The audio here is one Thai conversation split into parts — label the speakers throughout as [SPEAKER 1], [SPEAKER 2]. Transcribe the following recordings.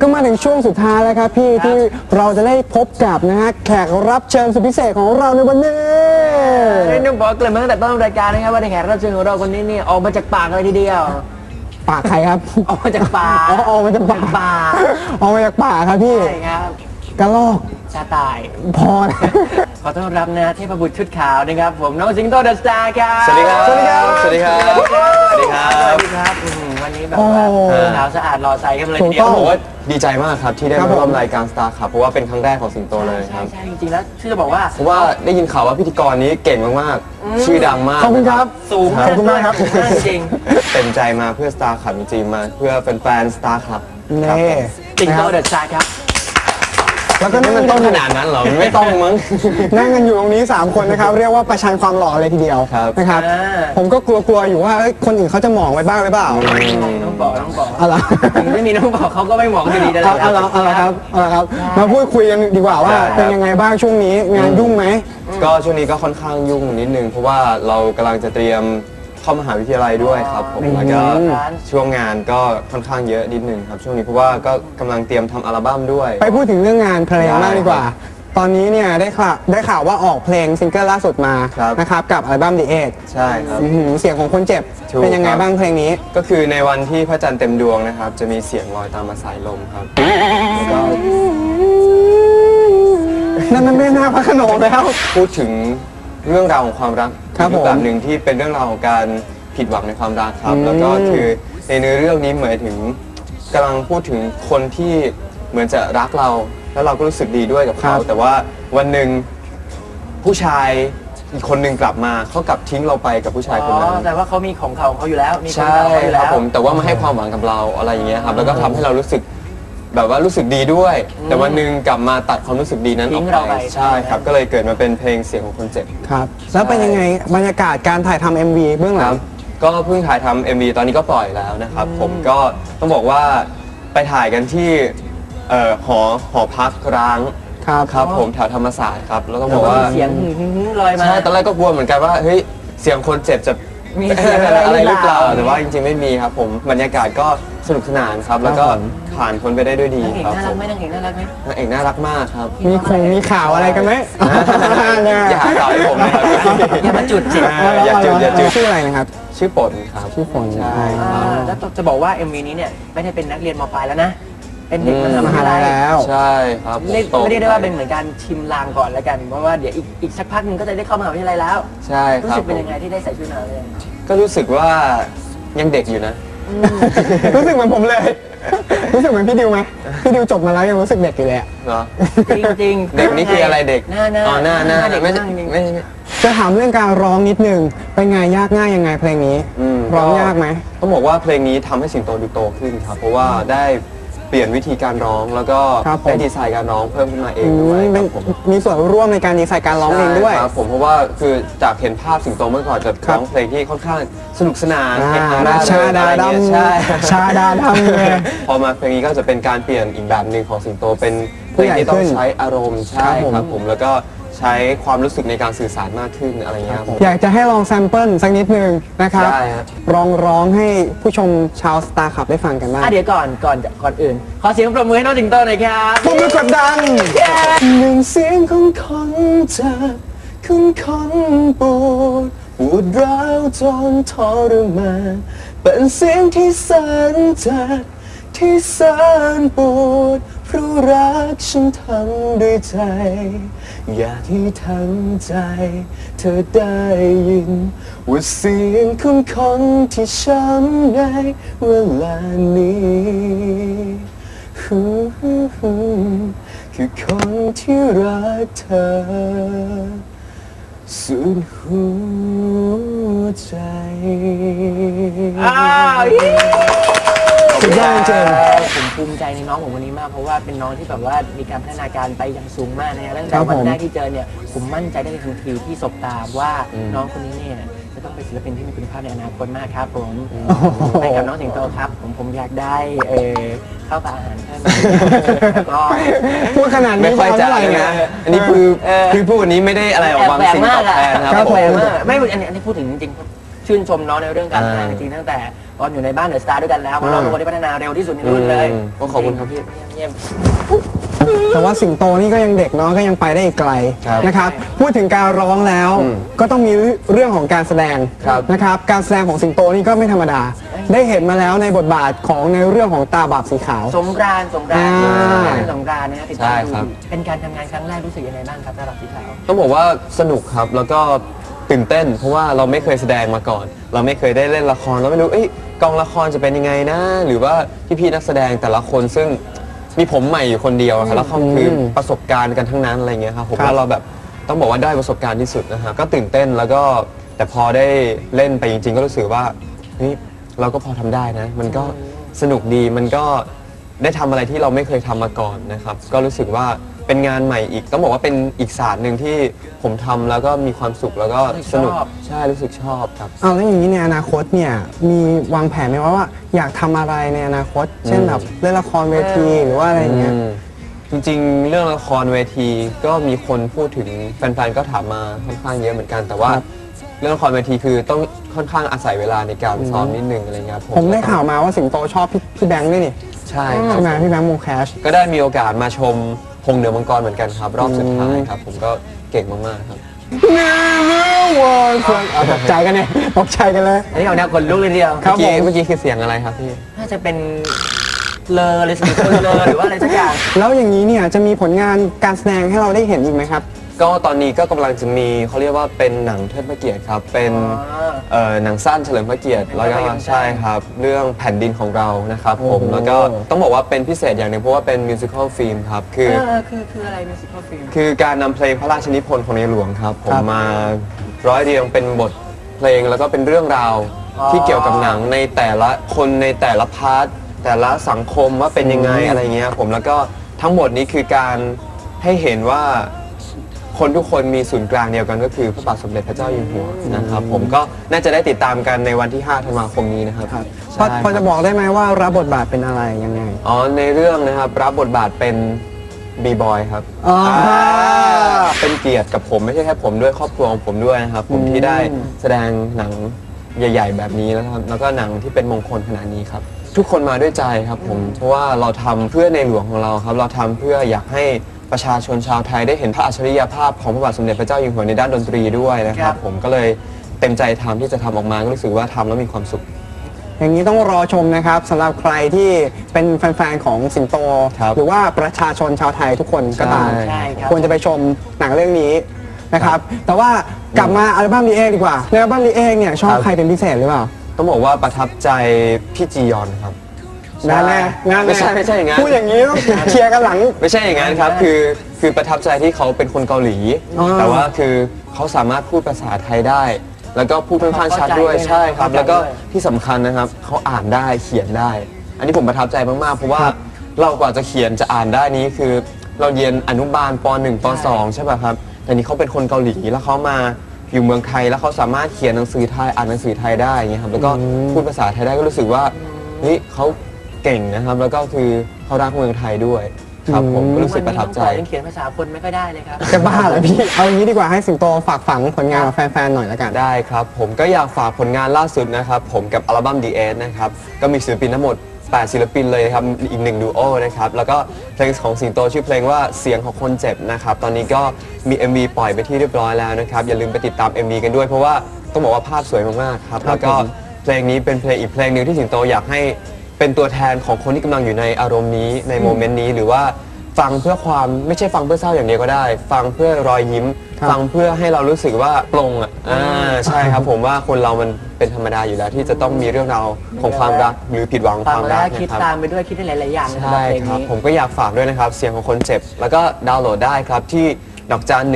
[SPEAKER 1] ก็มาถึงช่วงสุดท้ายแล้วครับพี่ที่เราจะได้พบกับนะฮะแขกรับเชิญสุดพิเศษของเราในวันนี้
[SPEAKER 2] นี่ต้องบอกเกริ่นมาตั้งแต่ต้นรายการนะครับว่าในแขกรับเชิญของเราคนนี้นี่ออกมาจากปากเลยทีเดียว
[SPEAKER 1] ปากใครครับ
[SPEAKER 2] ออกมาจากปาก
[SPEAKER 1] ออกมาจากปากออกมาจากปากครับพี่
[SPEAKER 2] ใช่ครับ
[SPEAKER 1] กระลอก
[SPEAKER 2] ชาตาย
[SPEAKER 1] พอนะ
[SPEAKER 2] ขอต้อนรับนะเทพบุตรชุดขาวนะครับผมน้องสิงโตเดอะสตาร์ครับ
[SPEAKER 3] สวัสดีครับ สวัสดีครับ สวัสดีครับ
[SPEAKER 2] สวัสดีครับวันนี้แบบว่าขาวสะอาดรอใสกันเลยทีเดียว
[SPEAKER 3] ผมว่าดีใจมากครับที่ได้มาร่วมรายการสตาร์ครับเพราะว่าเป็นครั้งแรกของสิงโตเลยครับ
[SPEAKER 2] ใช่จริงๆแล้วชื่อจะบอกว่า
[SPEAKER 3] เพราะว่าได้ยินข่าวว่าพิธีกรนี้เก่งมากๆชื่อดังมาก
[SPEAKER 1] ขอบคุณครับ
[SPEAKER 2] สูง
[SPEAKER 1] ขอบคุณมากครับ
[SPEAKER 2] จริง
[SPEAKER 3] เต็มใจมาเพื่อสตาร์ครับจริงๆมาเพื่อแฟนๆสตาร์ครับ
[SPEAKER 1] นี่
[SPEAKER 2] สิงโตเดอะสตาร์ครับ
[SPEAKER 3] แล้วก็นี่มันต้องขนาดนั้นเหรอไม่ต้องมั้ง
[SPEAKER 1] นั่งกันอยู่ตรงนี้3คนนะครับเรียกว่าประชันความหล่อเลยทีเดียวนะครับผมก็กลัวๆอยู่ว่าคนอื่นเขาจะมองไว้บ้างหรือเปล่า
[SPEAKER 2] น้องบอก
[SPEAKER 1] อะไร
[SPEAKER 2] ถึงไม่มีน้องบอกเขาก็ไม่มองอยู่ดีแต่
[SPEAKER 1] อะไรครับมาพูดคุยกันดีกว่าว่าเป็นยังไงบ้างช่วงนี้งานยุ่งไหม
[SPEAKER 3] ก็ช่วงนี้ก็ค่อนข้างยุ่งนิดนึงเพราะว่าเรากำลังจะเตรียมเข้ามหาวิทยาลัยด้วยครับผมแล้วก็ช่วงงานก็ค่อนข้างเยอะนิดนึงครับช่วงนี้เพราะว่าก็กำลังเตรียมทำอัลบั้มด้วย
[SPEAKER 1] ไปพูดถึงเรื่องงานเพลงมากดีกว่าตอนนี้เนี่ยได้ข่าวว่าออกเพลงซิงเกิลล่าสุดมานะครับกับอัลบั้ม The Edge
[SPEAKER 3] ใช่ครับ
[SPEAKER 1] เสียงของคนเจ็บเป็นยังไงบ้างเพลงนี้
[SPEAKER 3] ก็คือในวันที่พระจันทร์เต็มดวงนะครับจะมีเสียงลอยตามมาสายลมครับแล้วก็
[SPEAKER 1] นั่นไม่น่าพระโขนงแล้ว
[SPEAKER 3] พูดถึงเรื่องราวของความรักแบบหนึ่งที่เป็นเรื่องราวของการผิดหวังในความรักครับแล้วก็คือในเนื้อเรื่องนี้หมายถึงกำลังพูดถึงคนที่เหมือนจะรักเราแล้วเราก็รู้สึกดีด้วยกับเขาแต่ว่าวันหนึ่งผู้ชายอีกคนหนึ่งกลับมาเขากลับทิ้งเราไปกับผู้ชายคนนั้น
[SPEAKER 2] แต่ว่าเขามีของเขาอยู่แล้วมี
[SPEAKER 3] ใช่ครับผมแต่ว่ามาให้ความหวังกับเราอะไรอย่างเงี้ยครับแล้วก็ทำให้เรารู้สึกแบบว่ารู้สึกดีด้วยแต่วันหนึ่งกลับมาตัดความรู้สึกดีนั้นออกไปใช่ครับก็เลยเกิดมาเป็นเพลงเสียงของคนเจ็บ
[SPEAKER 1] ครับแล้วเป็นยังไงบรรยากาศการถ่ายทำ MV เบื้องหลัง
[SPEAKER 3] ก็เพิ่งถ่ายทำ MV ตอนนี้ก็ปล่อยแล้วนะครับผมก็ต้องบอกว่าไปถ่ายกันที่หอพักร้างครับผมแถวธรรมศาสตร์ครับแล้วต้องบอกว่า
[SPEAKER 2] เสียงลอยมา
[SPEAKER 3] ใช่ตอนแรกก็กลัวเหมือนกันว่าเฮ้ยเสียงคนเจ็บจะ
[SPEAKER 2] มีเสียงอะไร
[SPEAKER 3] หรือเปล่าแต่ว่าจริงๆไม่มีครับผมบรรยากาศก็สนุกสนานครับแล้วก็ผ่านพ้นไปได้ด้วยดีครับ
[SPEAKER 2] นางเอกน่ารักไหมนางเอกน่ารักไหม
[SPEAKER 3] นางเอกน่ารักมากครับ
[SPEAKER 1] มีข่าวอะไรกันไหม
[SPEAKER 3] อย่าหาข่าวให้ผมนะครับ
[SPEAKER 2] อย่ามาจุดจิ
[SPEAKER 3] อย่าจุด
[SPEAKER 1] ชื่ออะไรนะครับ
[SPEAKER 3] ชื่อปนครับ
[SPEAKER 1] ชื่อปน
[SPEAKER 3] ใช่
[SPEAKER 2] แล้วจะบอกว่า MV นี้เนี่ยไม่ได้เป็นนักเรียนม.ปลายแล้วนะเป็นเด็กมหาลัย
[SPEAKER 1] แล้ว
[SPEAKER 3] ใช่ครับ
[SPEAKER 2] ไม่ได้ว่าเป็นเหมือนการชิมลางก่อนแล้วกันเพราะว่าเดี๋ยวอีกสักพักนึงก็จะได้เข้ามหาวิทยาลัยแล้ว
[SPEAKER 3] ใช่ครับ
[SPEAKER 2] รู้สึกเป็นยังไงที่ได้ใส่ชุดนักเรียน
[SPEAKER 3] ก็รู้สึกว่ายังเด็กอยู่นะ
[SPEAKER 1] รู้สึกเหมือนผมเลยรู้สึกเหมือนพี่ดิวไหมพี่ดิวจบมาแล้วยังรู้สึกเด็กอยู่เลย
[SPEAKER 3] เหรอ
[SPEAKER 2] จริง
[SPEAKER 3] เด็กนี่คืออะไรเด็ก
[SPEAKER 2] หน้า
[SPEAKER 3] เด็กไม่
[SPEAKER 1] จะถามเรื่องการร้องนิดนึงเป็นไงยากง่ายยังไงเพลงนี้ร้องยากไหม
[SPEAKER 3] ต้องบอกว่าเพลงนี้ทำให้สิงโตดูโตขึ้นครับเพราะว่าได้เปลี่ยนวิธีการร้องแล้วก็ได้ดีไซน์การร้องเพิ่มขึ้นมาเองด้วย
[SPEAKER 1] มีส่วนร่วมในการดีไซน์การร้องเองด้วย
[SPEAKER 3] ครับผมเพราะว่าคือจากเห็นภาพสิงโตเมื่อก่อนจะร้องเพลงที่ค่อนข้างสนุกสนาน
[SPEAKER 1] ชาดาดำชาดาดำเลย
[SPEAKER 3] พอมาเพลงนี้ก็จะเป็นการเปลี่ยนอีกแบบหนึ่งของสิงโตเป็นเพลงที่ต้องใช้อารมณ์ใช่ครับผมแล้วก็ใช้ความรู้สึกในการสื่อสารมากขึ้นอะไรเงี้ย
[SPEAKER 1] อยากจะให้ลองแซมเปิลสักนิดนึงนะครับร้องให้ผู้ชมชาวสตาร์ขับได้ฟังกันบ้าง
[SPEAKER 2] เดี๋ยวก่อนอื่นขอเสียงปรบมือให้น้องสิงโตหน่อยครับ
[SPEAKER 1] ปรบมือกดดันหนึ่งเสียงของคนเจ็บของคนปวดร้าวจนทรมานเป็นเสียงที่แสนเจ็บที่แสนปวดเพราะรักฉันทำด้วยใจอยากให้ทั้งใจเธอได้ยินว่าเสียงของคนที่ช้ำในเวลานี้คือคนที่รักเธอสุดหัวใจสุดยอดจริง
[SPEAKER 2] ผมภูมิใจในน้องผมคนนี้มากเพราะว่าเป็นน้องที่แบบว่ามีการพัฒนาการไปอย่างสูงมากนะตั้งแต่วันแรกที่เจอเนี่ยผมมั่นใจได้ทันทีที่สบตาว่าน้องคนนี้เนี่ยจะต้องเป็นศิลปินที่มีคุณภาพในอนาคตมากครับผมไปกับน้องสิงโตครับผมอยากได้ข้าวปลาอาหารเพิ่มก็
[SPEAKER 1] พูดขนาดนี้
[SPEAKER 3] ไม่ค่อยจะนะอันนี้คือพูดวันนี้ไม่ได้อะไรออกบางสิ่งตอบแทนครับ
[SPEAKER 2] แปลกมากไม่อันนี้พูดถึงจริงชื่นชมน้องในเรื่องการทำงานจริงตั้งแต่ตอนอยู่ในบ้านเดอะสตาร์ด้วยกันแล้วเพราะเราเป็นคนที่พัฒนาเร็วที่สุดในรุ่นเลย
[SPEAKER 3] ก็ขอบคุณครับพี่
[SPEAKER 2] เยี่ยม
[SPEAKER 1] แต่ว่าสิงโตนี่ก็ยังเด็กเนาะก็ยังไปได้อีกไกล
[SPEAKER 3] ครับ
[SPEAKER 1] นะครับพูดถึงการร้องแล้ว ก็ต้องมีเรื่องของการแสดง
[SPEAKER 3] ครับ
[SPEAKER 1] นะครับการแสดงของสิงโตนี่ก็ไม่ธรรมดา ได้เห็นมาแล้วในบทบาทของในเรื่องของตาบาปสีขาว
[SPEAKER 2] สงกรานต์สงกรานต์
[SPEAKER 1] อ่า
[SPEAKER 2] สงกรานต์นะฮะติดตามดูอยู่เป็นการทำงานครั้งแรกรู้สึกยังไงบ้างครับสำหรับสีขาว
[SPEAKER 3] ต้องบอกว่าสนุกครับแล้วก็ตื่นเต้น เพราะว่าเราไม่เคยแสดงมาก่อน เราไม่เคยได้เล่นละครเราไม่รู้กองละครจะเป็นยังไงนะ หรือว่าพี่ๆนักแสดงแต่ละคนซึ่งมีผมใหม่อยู่คนเดียวครับแล้วเขาคือประสบการณ์กันทั้งนั้นอะไรเงี้ยครับผมว่าเราแบบต้องบอกว่าได้ประสบการณ์ที่สุดนะฮะก็ตื่นเต้นแล้วก็แต่พอได้เล่นไปจริงๆ ก็รู้สึกว่าเฮ้ยเราก็พอทำได้นะ มันก็สนุกดีมันก็ได้ทำอะไรที่เราไม่เคยทำมาก่อนนะครับก็รู้สึกว่าเป็นงานใหม่อีกต้องบอกว่าเป็นอีกศาสตร์หนึ่งที่ผมทำแล้วก็มีความสุขแล้วก็สนุก
[SPEAKER 2] ชอบ
[SPEAKER 3] ใช่รู้สึกชอบครับ
[SPEAKER 1] เอาแล้วอย่างนี้ในอนาคตเนี่ยมีวางแผนไหมว่าอยากทำอะไรในอนาคต เช่นแบบเล่นละครเวทีหรือว่าอะไรอย่างเงี้ย
[SPEAKER 3] จริงๆ เรื่องละครเวทีก็มีคนพูดถึงแฟนๆ ก็ถามมาค่อนข้างเยอะเหมือนกัน แต่ว่า
[SPEAKER 1] ครับ
[SPEAKER 3] เรื่องละครเวทีคือต้องค่อนข้างอาศัยเวลาในการซ้อมนิดนึงอะไรเงี้ยครับ
[SPEAKER 1] ผมได้ข่าวมาว่าสิงโตชอบพี่แบงค์ด้วยนี่
[SPEAKER 3] ใช่ครับ
[SPEAKER 1] ใช่ไหมพี่แบงค์วงแคช
[SPEAKER 3] ก็ได้มีโอกาสมาชมพงษ์เหนือมังกรเหมือนกันครับ รอบสุดท้ายครับ ผมก็เก่งมากๆครับ
[SPEAKER 1] ตกใจกันเนี่ยตกใจกันเลย
[SPEAKER 2] อันนี้เอาแนวคนลุกเลยทีเดียว
[SPEAKER 1] ครับ
[SPEAKER 3] เมื่อกี้คือเสียงอะไรครับพี่
[SPEAKER 2] น่าจะเป็นเลอเลยสิงโตเลอหรือว่าอะไรสักอย่าง
[SPEAKER 1] แล้วอย่างนี้เนี่ยจะมีผลงานการแสดงให้เราได้เห็นอีกไหมครับ
[SPEAKER 3] ก็ตอนนี้ก็กำลังจะมีเขาเรียกว่าเป็นหนังเทิดพระเกียรติครับ เป็นหนังสั้นเฉลิมพระเกียรติแล้วก็ใช่ครับ เรื่องแผ่นดินของเรานะครับผม
[SPEAKER 1] โอ้โห
[SPEAKER 3] แล้วก็ต้องบอกว่าเป็นพิเศษอย่างหนึ่งเพราะว่าเป็นมิวสิควลฟิล์มครับคือ
[SPEAKER 2] คืออะไรมิวสิควลฟิล์ม
[SPEAKER 3] คือการนำเพลงพระราชนิพนธ์ของในหลวงครับ ผม
[SPEAKER 1] ครับ
[SPEAKER 3] มาร้อยเรียงเป็นบทเพลงแล้วก็เป็นเรื่องราว
[SPEAKER 2] อ๋อ
[SPEAKER 3] ที่เกี่ยวกับหนังในแต่ละคนในแต่ละพาร์ทแต่ละสังคมว่าเป็นยังไงอะไรเงี้ยผมแล้วก็ทั้งหมดนี้คือการให้เห็นว่าคนทุกคนมีศูนย์กลางเดียวกันก็คือพระบาทสมเด็จพระเจ้าอยู่หัวนะครับผมก็น่าจะได้ติดตามกันในวันที่ 5 ธันวาคมนี้นะครับ
[SPEAKER 1] พอ
[SPEAKER 3] ใช่
[SPEAKER 1] พอจะบอกได้ไหมว่ารับบทบาทเป็นอะไรยังไง
[SPEAKER 3] อ๋อในเรื่องนะครับรับบทบาทเป็นบีบอยครับ
[SPEAKER 1] อ๋อ
[SPEAKER 3] เป็นเกียรติกับผมไม่ใช่แค่ผมด้วยครอบครัวของผมด้วยนะครับผมที่ได้แสดงหนังใหญ่ ๆ แบบนี้นะครับแล้วก็หนังที่เป็นมงคลขนาดนี้ครับทุกคนมาด้วยใจครับผมเพราะว่าเราทำเพื่อในหลวงของเราครับเราทำเพื่ออยากให้ประชาชนชาวไทยได้เห็นพระอัจฉริยภาพของพระบาทสมเด็จพระเจ้าอยู่หัวในด้านดนตรีด้วยนะค
[SPEAKER 2] ครั
[SPEAKER 3] รับบ ผมก็เลยเต็มใจทำที่จะทำออกมาก็รู้สึกว่าทำแล้วมีความสุข
[SPEAKER 1] อย่างนี้ต้องรอชมนะครับสำหรับใครที่เป็นแฟนๆของสิงโต
[SPEAKER 3] ครับ
[SPEAKER 1] หรือว่าประชาชนชาวไทยทุกคนก็ตาม
[SPEAKER 2] ใช่ครับ
[SPEAKER 1] ควรจะไปชมหนังเรื่องนี้นะครับ แต่ว่ากลับมาอัลบั้มนี้เองดีกว่าในอัลบั้มนี้เองเนี่ยชอบใครเป็นพิเศษหรือเปล่า
[SPEAKER 3] ต้องบอกว่าประทับใจพี่จียอนครับ
[SPEAKER 1] งานแน่งาน
[SPEAKER 3] ไม่ใช่อย่างนั้น
[SPEAKER 1] พูดอย่างนี้ต้องเคลียร์กันหลัง
[SPEAKER 3] ไม่ใช่อย่างนั้นครับคือประทับใจที่เขาเป็นคนเกาหลี
[SPEAKER 1] อ๋อ
[SPEAKER 3] แต่ว่าคือเขาสามารถพูดภาษาไทยได้ แล้วก็พูดค่อนข้างชัดด้วยใช่ครับ แล้วก็ที่สำคัญนะครับเขาอ่านได้เขียนได้ อันนี้ผมประทับใจมากๆเพราะว่าเรากว่าจะเขียนจะอ่านได้นี้คือเราเรียนอนุบาลป .1 ป .2 ใช่ป่ะครับแต่นี่เขาเป็นคนเกาหลีแล้วเขามาอยู่เมืองไทยแล้วเขาสามารถเขียนหนังสือไทยอ่านหนังสือไทยได้อย่างเงี้ยครับแล้วก็พูดภาษาไทยได้ก็รู้สึกว่าเฮ้ยเขาเก่งนะครับ แล้วก็คือเขารักเมืองไทยด้วยครับผมก็รู้สึกประทับใจ
[SPEAKER 2] ยังเขียนภาษาคนไม่ค่อยได้เลยครับ
[SPEAKER 1] จะบ้าเหรอพี่ เอาอย่างนี้ดีกว่าให้สิงโตฝากฝังผลงานกับแฟนๆหน่อยละกัน
[SPEAKER 3] ได้ครับผมก็อยากฝากผลงานล่าสุดนะครับผมกับอัลบั้ม The End นะครับก็มีศิลปินทั้งหมด 8 ศิลปินเลยครับอีก1ดูโอนะครับแล้วก็เพลงของสิงโตชื่อเพลงว่าเสียงของคนเจ็บนะครับตอนนี้ก็มี MV ปล่อยไปที่เรียบร้อยแล้วนะครับอย่าลืมไปติดตาม MV กันด้วยเพราะว่าต้องบอกว่าภาพสวยมากๆครับแล้วก็เพลงนี้เป็นเพลงอีกเพลงหนึ่งที่สิงโตอยากให้เป็นตัวแทนของคนที่กำลังอยู่ในอารมณ์นี้ในโมเมนต์นี้หรือว่าฟังเพื่อความไม่ใช่ฟังเพื่อเศร้าอย่างเดียวก็ได้ ฟังเพื่อรอยยิ้ม
[SPEAKER 1] ครับ
[SPEAKER 3] ฟังเพื่อให้เรารู้สึกว่าปลงใช่ครับผมว่าคนเรามันเป็นธรรมดาอยู่แล้วที่จะต้องมีเรื่องราวของความรักหรือผิดหวังของ
[SPEAKER 2] ฟั
[SPEAKER 3] ค
[SPEAKER 2] ง
[SPEAKER 3] วาม
[SPEAKER 2] แล้
[SPEAKER 3] รั
[SPEAKER 2] ว
[SPEAKER 3] ก
[SPEAKER 2] คิด
[SPEAKER 3] นะครับ
[SPEAKER 2] ตามไปด้วยคิดได้หลาย ๆ อย่างสำหรับ
[SPEAKER 3] ใช่
[SPEAKER 2] เพลง
[SPEAKER 3] ครับ
[SPEAKER 2] นี้
[SPEAKER 3] ผมก็อยากฝากด้วยนะครับเสียงของคนเจ็บ แล้วก็ดาวน์โหลดได้ครับที่ดอกจัน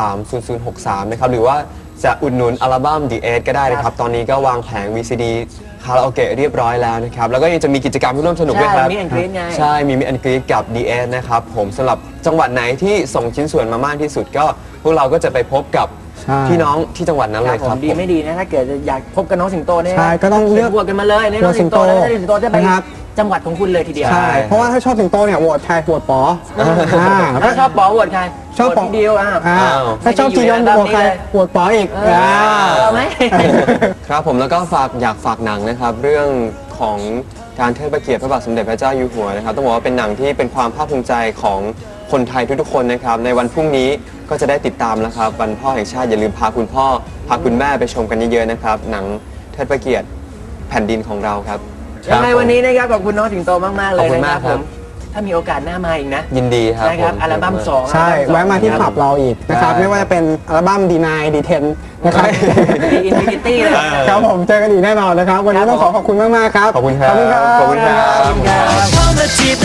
[SPEAKER 3] 1230063 นะครับหรือว่าจะอุดหนุนอัลบั้ม The Eight ก็ได้นะครับตอนนี้ก็วางแผง VCD คาราโอเกะเรียบร้อยแล้วนะครับแล้วก็ยังจะมีกิจกรรมที่ร่วมสนุกด้วยครับ
[SPEAKER 2] ใช่ Meet and Greet ไง
[SPEAKER 3] ใช่มีมิอันกรีดกับ The Eight นะครับผมสำหรับจังหวัดไหนที่ส่งชิ้นส่วนมามากที่สุดก็พวกเราก็จะไปพบกับ
[SPEAKER 1] ใช่
[SPEAKER 3] พี่น้องที่จังหวัดนั้น
[SPEAKER 2] ค
[SPEAKER 3] เล
[SPEAKER 2] รับ
[SPEAKER 3] ย
[SPEAKER 2] ผ
[SPEAKER 3] ครั
[SPEAKER 2] ม
[SPEAKER 3] บ
[SPEAKER 2] ดีไม่ดีนะถ้าเกิดจะอยากพบกับน้องสิงโตเนี่ย
[SPEAKER 1] ใช่ก็ต้องเลือก
[SPEAKER 2] บวกกันมาเลยในน้องสิงโตแล้วสิงโตจะไป
[SPEAKER 1] นะครับ
[SPEAKER 2] จังหวัดของคุณเลยทีเดียว
[SPEAKER 1] ใช่เพราะว่าถ้าชอบสิงโตเนี่ยโหวตใครโหวตป๋อ
[SPEAKER 2] ถ้าชอบป๋อโหวตใคร
[SPEAKER 1] ชอบป๋อ
[SPEAKER 2] โหวตพี่ดิว
[SPEAKER 1] ถ้าชอบจียอนโหวตใครโหวตป๋ออีก
[SPEAKER 2] เอาไหม
[SPEAKER 3] ครับผมแล้วก็อยากฝากหนังนะครับเรื่องของการเทิดพระเกียรติพระบาทสมเด็จพระเจ้าอยู่หัวนะครับต้องบอกว่าเป็นหนังที่เป็นความภาคภูมิใจของคนไทยทุกๆคนนะครับในวันพรุ่งนี้ก็จะได้ติดตามแล้วครับวันพ่อแห่งชาติอย่าลืมพาคุณพ่อพาคุณแม่ไปชมกันเยอะๆนะครับหนังเทิดพระเกียรติแผ่นดินของเราครับ
[SPEAKER 2] ยังไงวันนี้นะครับขอบคุณน้องสิงโตมากๆเลยนะครับ
[SPEAKER 3] ขอบคุณมากค
[SPEAKER 2] ผ
[SPEAKER 3] รับ
[SPEAKER 2] มถ้ามีโอกาสหน้ามาอีกนะ
[SPEAKER 3] ยินดีครับ
[SPEAKER 2] นะครับ
[SPEAKER 3] ผม
[SPEAKER 2] อัลบั้ม2
[SPEAKER 1] ใช่แวะมาที่คลับเราอีกนะครับไม่ว่าจะเป็นอัลบั้ม D9 D10 นะครับ
[SPEAKER 2] ดีอินฟินิตี้เลย
[SPEAKER 1] ครับผมเจอกันอีกแน่นอนนะครับวันนี้ต้องขอขอบคุณมากๆครับ
[SPEAKER 3] ขอบคุณครับ
[SPEAKER 1] ขอบคุณครับ
[SPEAKER 3] ขอบคุณครับ
[SPEAKER 2] เข้ามาจีบ